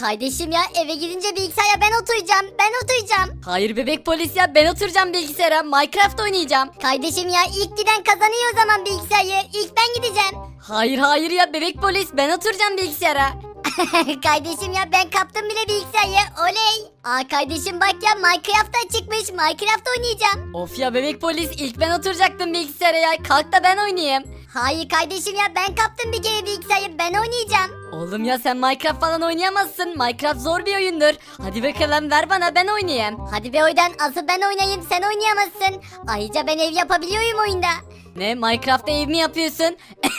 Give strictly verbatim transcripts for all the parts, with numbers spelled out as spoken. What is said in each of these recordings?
Kardeşim ya eve gidince bilgisayara ben oturacağım. Ben oturacağım. Hayır bebek polis ya, ben oturacağım bilgisayara, Minecraft oynayacağım. Kardeşim ya ilk giden kazanıyor o zaman bilgisayarı. İlk ben gideceğim. Hayır hayır ya bebek polis, ben oturacağım bilgisayara. Kardeşim ya ben kaptım bile bilgisayarı. Oley. Aa kardeşim bak ya Minecraft'ta çıkmış. Minecraft oynayacağım. Of ya bebek polis, ilk ben oturacaktım bilgisayara ya, kalk da ben oynayayım. Hayır kardeşim ya ben kaptım bir kere bilgisayarı. Ben oynayacağım. Oğlum ya sen Minecraft falan oynayamazsın, Minecraft zor bir oyundur. Hadi bakalım ver bana, ben oynayayım. Hadi be oydan asıl ben oynayayım sen oynayamazsın. Ayrıca ben ev yapabiliyorum oyunda. Ne, Minecraft'ta ev mi yapıyorsun?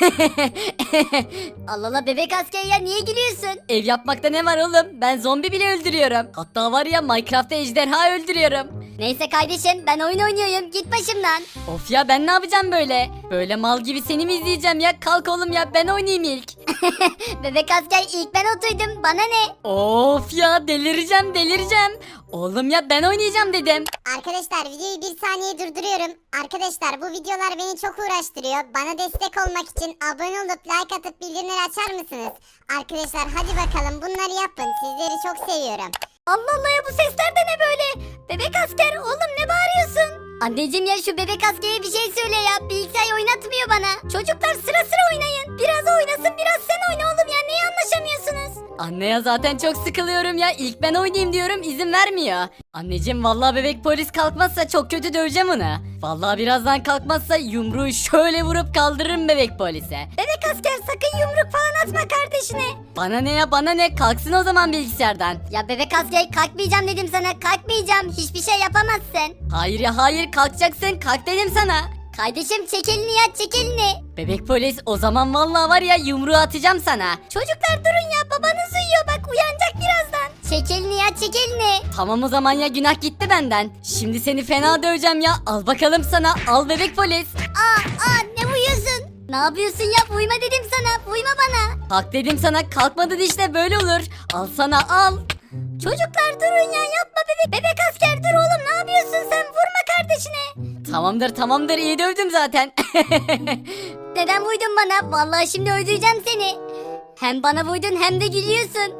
Allah Allah bebek asker ya niye gülüyorsun? Ev yapmakta ne var oğlum, ben zombi bile öldürüyorum. Hatta var ya Minecraft'ta ejderha öldürüyorum. Neyse kardeşim ben oyun oynuyorum git başımdan. Of ya ben ne yapacağım böyle? Böyle mal gibi seni mi izleyeceğim ya? Kalk oğlum ya, ben oynayayım ilk. Bebek asker ilk ben oturdum bana ne? Of ya delireceğim delireceğim. Oğlum ya ben oynayacağım dedim. Arkadaşlar videoyu bir saniye durduruyorum. Arkadaşlar bu videolar beni çok uğraştırıyor. Bana destek olmak için abone olup like atıp bildirimleri açar mısınız? Arkadaşlar hadi bakalım bunları yapın. Sizleri çok seviyorum. Allah Allah ya bu sesler de ne böyle? Bebek asker oğlum ne bağırıyorsun? Anneciğim ya şu bebek askere bir şey söyle ya. Bilgisayar oynatmıyor bana. Çocuklar sıra sıra oynayın. Biraz o oynasın biraz sen oyna oğlum ya. Niye anlaşamıyorsunuz? Anne ya zaten çok sıkılıyorum ya. İlk ben oynayayım diyorum, izin vermiyor. Anneciğim vallahi bebek polis kalkmazsa çok kötü döveceğim onu. Vallahi birazdan kalkmazsa yumruğu şöyle vurup kaldırırım bebek polise. Bebek asker sakın yumruk falan atma kardeşine. Bana ne ya bana ne, kalksın o zaman bilgisayardan. Ya bebek asker kalkmayacağım dedim sana. Kalkmayacağım. Hiçbir şey yapamazsın. Hayır ya hayır, kalkacaksın, kalk dedim sana. Kardeşim çek elini ya çek elini. Bebek polis o zaman vallahi var ya yumruğu atacağım sana. Çocuklar durun ya babanız uyuyor bak uyanacak birazdan. Çek elini ya çek elini. Tamam o zaman ya, günah gitti benden. Şimdi seni fena döveceğim ya, al bakalım sana, al bebek polis. Aa aa ne uyuyorsun? Ne yapıyorsun ya uyuma dedim sana uyuma bana. Kalk dedim sana, kalkmadın işte, böyle olur. Al sana al. Çocuklar durun ya yapma bebek. Bebek asker dur oğlum ne yapıyorsun sen vurma kardeşine. Tamamdır tamamdır, iyi dövdüm zaten. Neden vurdun bana? Vallahi şimdi öldüreceğim seni. Hem bana vurdun hem de gülüyorsun.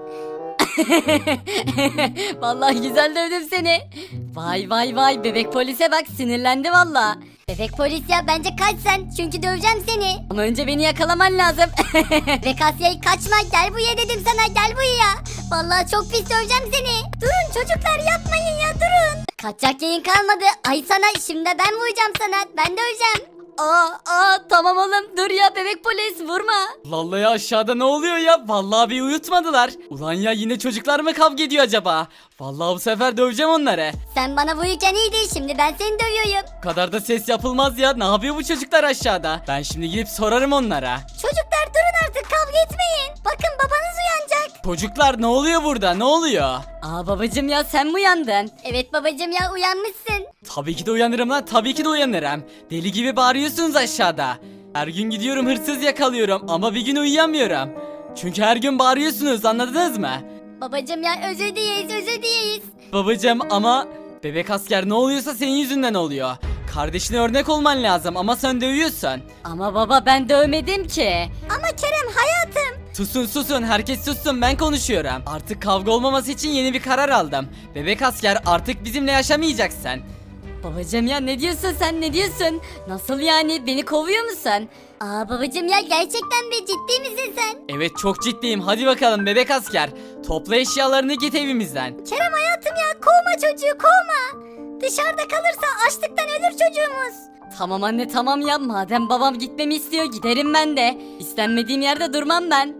Vallahi güzel dövdüm seni. Vay vay vay, bebek polise bak, sinirlendi valla. Bebek polis ya bence kaç sen çünkü döveceğim seni. Ama önce beni yakalaman lazım. Bebek asker kaçma gel buraya dedim sana gel buraya. Vallahi çok pis döveceğim seni. Durun çocuklar yapmayın ya durun. Kaçacak yayın kalmadı. Ay sana şimdi ben vuracağım sana ben döveceğim. Aa, aa tamam oğlum, dur ya bebek polis, vurma. Vallahi ya aşağıda ne oluyor ya? Vallahi bir uyutmadılar. Ulan ya yine çocuklar mı kavga ediyor acaba? Vallahi bu sefer döveceğim onları. Sen bana vururken iyiydi şimdi ben seni dövüyorum. Bu kadar da ses yapılmaz ya. Ne yapıyor bu çocuklar aşağıda? Ben şimdi gidip sorarım onlara. Çocuklar durun artık kavga etmeyin. Bakın babanız uyanacak. Çocuklar ne oluyor burada? Ne oluyor? Aa babacım ya sen mi uyandın? Evet babacım ya uyanmışsın. Tabii ki de uyanırım lan. Tabii ki de uyanırım. Deli gibi bağırıyorsunuz aşağıda. Her gün gidiyorum hırsız yakalıyorum ama bir gün uyuyamıyorum. Çünkü her gün bağırıyorsunuz, anladınız mı? Babacım ya özür dileriz özür dileriz. Babacım ama bebek asker ne oluyorsa senin yüzünden oluyor. Kardeşine örnek olman lazım ama sen dövüyorsun. Ama baba ben dövmedim ki. Ama Kerem hayatım. Susun susun, herkes sussun, ben konuşuyorum. Artık kavga olmaması için yeni bir karar aldım. Bebek asker artık bizimle yaşamayacaksın. Babacım ya ne diyorsun sen, ne diyorsun? Nasıl yani, beni kovuyor musun? Aa babacım ya gerçekten mi ciddi misin sen? Evet çok ciddiyim, hadi bakalım bebek asker. Topla eşyalarını git evimizden. Kerem hayatım ya kovma çocuğu kovma. Dışarıda kalırsa açlıktan ölür çocuğumuz. Tamam anne tamam ya, madem babam gitmemi istiyor giderim ben de. İstenmediğim yerde durmam ben.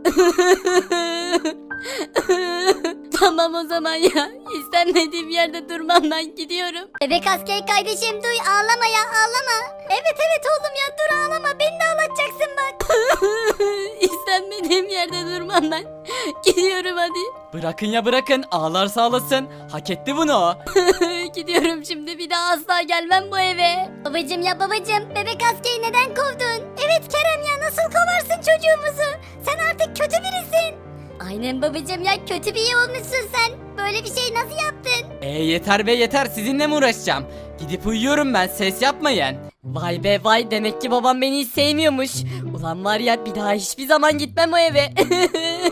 Tamam o zaman ya, istenmediğim yerde durmam, ben gidiyorum. Bebek asker kardeşim duy ağlama ya ağlama. Evet evet oğlum ya dur ağlama beni de ağlatacaksın bak. İstenmediğim yerde durmam ben. Gidiyorum hadi. Bırakın ya bırakın, ağlarsa ağlasın. Hak etti bunu o. Gidiyorum şimdi, bir daha asla gelmem bu eve. Babacım ya babacım bebek askeri neden kovdun? Evet Kerem ya nasıl kovarsın çocuğumuzu? Sen artık kötü birisin. Aynen babacım ya kötü biri olmuşsun sen. Böyle bir şey nasıl yaptın? E yeter be yeter, sizinle mi uğraşacağım? Gidip uyuyorum ben, ses yapmayın. Vay be vay, demek ki babam beni hiç sevmiyormuş. Ulan var ya, bir daha hiçbir zaman gitmem o eve.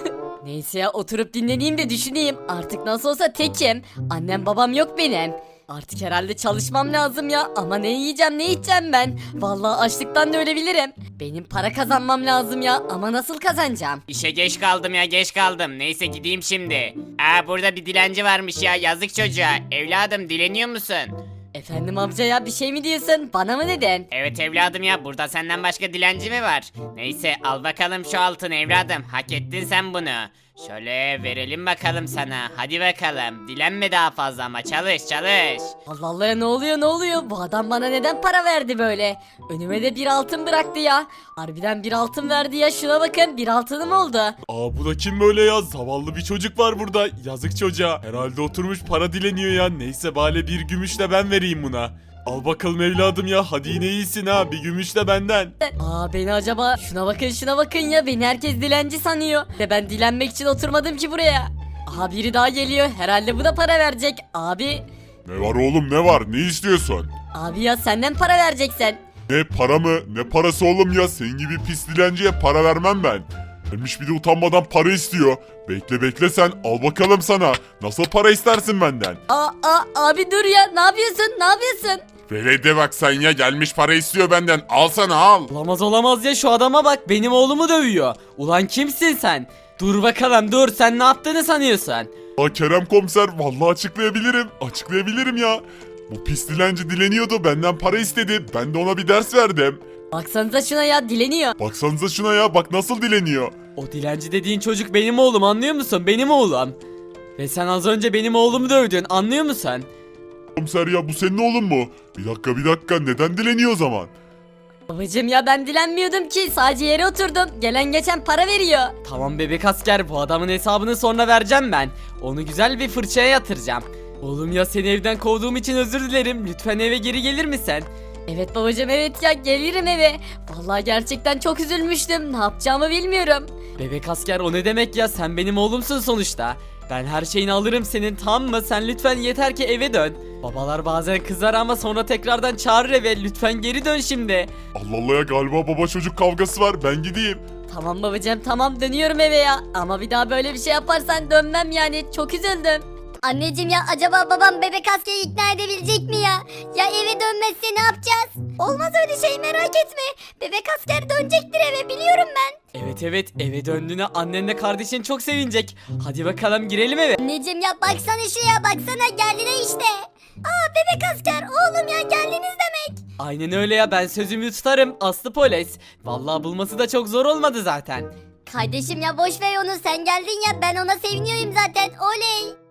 Neyse ya oturup dinleneyim de düşüneyim. Artık nasıl olsa tekim. Annem babam yok benim. Artık herhalde çalışmam lazım ya. Ama ne yiyeceğim ne içeceğim ben. Vallahi açlıktan da ölebilirim. Benim para kazanmam lazım ya. Ama nasıl kazanacağım? İşe geç kaldım ya geç kaldım. Neyse gideyim şimdi. Aa burada bir dilenci varmış ya yazık çocuğa. Evladım dileniyor musun? Efendim amca ya bir şey mi diyorsun? Bana mı dedin? Evet evladım ya burada senden başka dilenci mi var? Neyse al bakalım şu altın evladım. Hak ettin sen bunu. Şöyle verelim bakalım sana. Hadi bakalım. Dilenme daha fazla ama çalış çalış. Allah Allah ya ne oluyor ne oluyor? Bu adam bana neden para verdi böyle? Önüme de bir altın bıraktı ya. Harbiden bir altın verdi ya şuna bakın bir altınım oldu. Aa bu da kim böyle ya? Zavallı bir çocuk var burada. Yazık çocuğa. Herhalde oturmuş para dileniyor ya. Neyse bari bir gümüş de ben vereyim buna. Al bakalım evladım ya. Hadi yine iyisin ha. Bir gümüş de benden. Aa beni acaba şuna bakın şuna bakın ya beni herkes dilenci sanıyor. De ben dilenmek için oturmadım ki buraya. Aha biri daha geliyor herhalde bu da para verecek. Abi Ne var oğlum ne var? Ne istiyorsun? abi ya senden para vereceksen. Ne para mı? Ne parası oğlum ya? Senin gibi pis dilenciye para vermem ben. Gelmiş bir de utanmadan para istiyor. Bekle bekle sen. Al bakalım sana. Nasıl para istersin benden? Aa, aa abi dur ya ne yapıyorsun ne yapıyorsun? Velede bak sen ya. Gelmiş para istiyor benden. Al sana al. Olamaz olamaz ya şu adama bak benim oğlumu dövüyor. Ulan kimsin sen? Dur bakalım dur sen ne yaptığını sanıyorsun? Aa Kerem komiser vallahi açıklayabilirim. Açıklayabilirim ya. Bu pis dilenci dileniyordu. Benden para istedi. Ben de ona bir ders verdim. Baksanıza şuna ya dileniyor. Baksanıza şuna ya. Bak nasıl dileniyor. O dilenci dediğin çocuk benim oğlum anlıyor musun? Benim oğlum. Ve sen az önce benim oğlumu dövdün anlıyor musun? Komiser ya bu senin oğlun mu? Bir dakika bir dakika. Neden dileniyor o zaman? Babacım ya ben dilenmiyordum ki sadece yere oturdum. Gelen geçen para veriyor. Tamam bebek asker bu adamın hesabını sonra vereceğim ben. Onu güzel bir fırçaya yatıracağım. Oğlum ya seni evden kovduğum için özür dilerim. Lütfen eve geri gelir misin? Evet babacım evet ya gelirim eve. Vallahi gerçekten çok üzülmüştüm. Ne yapacağımı bilmiyorum. Bebek asker o ne demek ya sen benim oğlumsun sonuçta. Ben her şeyini alırım senin tamam mı? Sen lütfen yeter ki eve dön. Babalar bazen kızar ama sonra tekrardan çağırır eve. Lütfen geri dön şimdi. Allah Allah ya galiba baba çocuk kavgası var. Ben gideyim. Tamam babacım tamam dönüyorum eve ya. Ama bir daha böyle bir şey yaparsan dönmem yani. Çok üzüldüm. Anneciğim ya acaba babam bebek askeri ikna edebilecek mi ya? Ya eve dönmezse ne yapacağız? Olmaz öyle şey merak etme. Bebek asker dönecektir eve biliyorum ben. Evet evet eve döndüğüne annenle kardeşin çok sevinecek. Hadi bakalım girelim eve. Anneciğim ya baksana şuraya baksana geldiler işte. Aa bebek asker oğlum ya geldiniz demek. Aynen öyle ya ben sözümü tutarım Aslı polis. Vallahi bulması da çok zor olmadı zaten. Kardeşim ya boş ver onu sen geldin ya ben ona seviniyorum zaten oley.